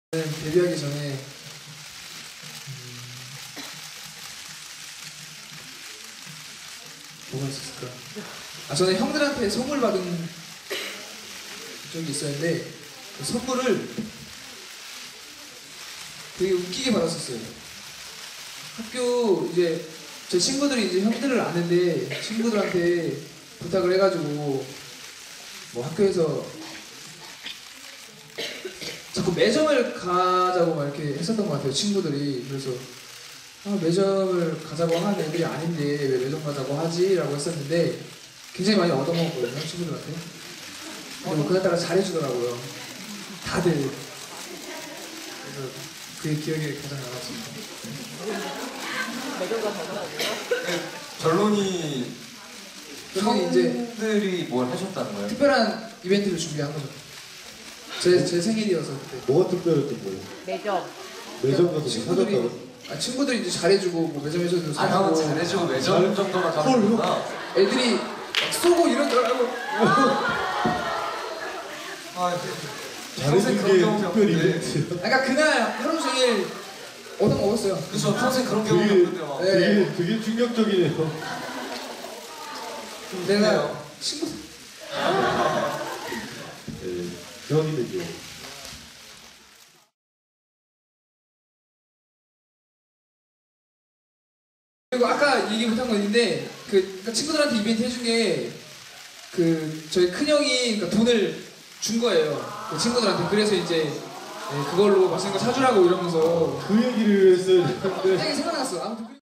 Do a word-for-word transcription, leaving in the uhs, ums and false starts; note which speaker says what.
Speaker 1: 데뷔하기 전에 음, 뭐가 있었을까? 아 저는 형들한테 선물 받은 적이 있었는데 그 선물을 되게 웃기게 받았었어요. 학교 이제 제 친구들이 이제 형들을 아는데 친구들한테 부탁을 해가지고 뭐 학교에서 자꾸 매점을 가자고 막 이렇게 했었던 것 같아요, 친구들이. 그래서 아, 매점을 가자고 하는 애들이 아닌데 왜 매점 가자고 하지? 라고 했었는데 굉장히 많이 얻어먹었거든요, 친구들한테. 그리고 그날 따라 잘해주더라고요, 다들. 그래서 그게 기억에 가장 남았습니다.
Speaker 2: 매점 가자고?
Speaker 3: 결론이
Speaker 1: 결론이 이제
Speaker 3: 형들이 뭘 하셨다는 거예요?
Speaker 1: 특별한 이벤트를 준비한 거죠. 제, 제 생일이어서 그때.
Speaker 4: 뭐가 특별했던 거예요?
Speaker 2: 매점.
Speaker 4: 매점 가서 뭐
Speaker 1: 친구들이,
Speaker 4: 사줬다고?
Speaker 1: 아, 친구들이 이제 잘해주고 뭐 매점에서도
Speaker 3: 아, 형은
Speaker 1: 사주고
Speaker 3: 잘해주고 매점 정도만 가는구나.
Speaker 1: 애들이 막 쏘고 이러더라고.
Speaker 3: 아,
Speaker 4: 잘해준 게 특별 이벤트야.
Speaker 1: 그러니까 그날 하루 종일 얻어먹었어요.
Speaker 3: 그쵸, 평생 그런 경험이
Speaker 4: 되게,
Speaker 3: 없는데 막.
Speaker 1: 네.
Speaker 4: 되게, 되게 충격적이네요.
Speaker 1: 내가 친구
Speaker 4: 네, 형이네요.
Speaker 1: 그리고 아까 얘기 못한 거 있는데 그 그러니까 친구들한테 이벤트 해준 게 그 저희 큰 형이 그러니까 돈을 준 거예요, 그 친구들한테. 그래서 이제 네, 그걸로 맛있는 거 사주라고 이러면서
Speaker 4: 그 얘기를 했어야 되는데.
Speaker 1: 갑자기 생각났어. 아무튼.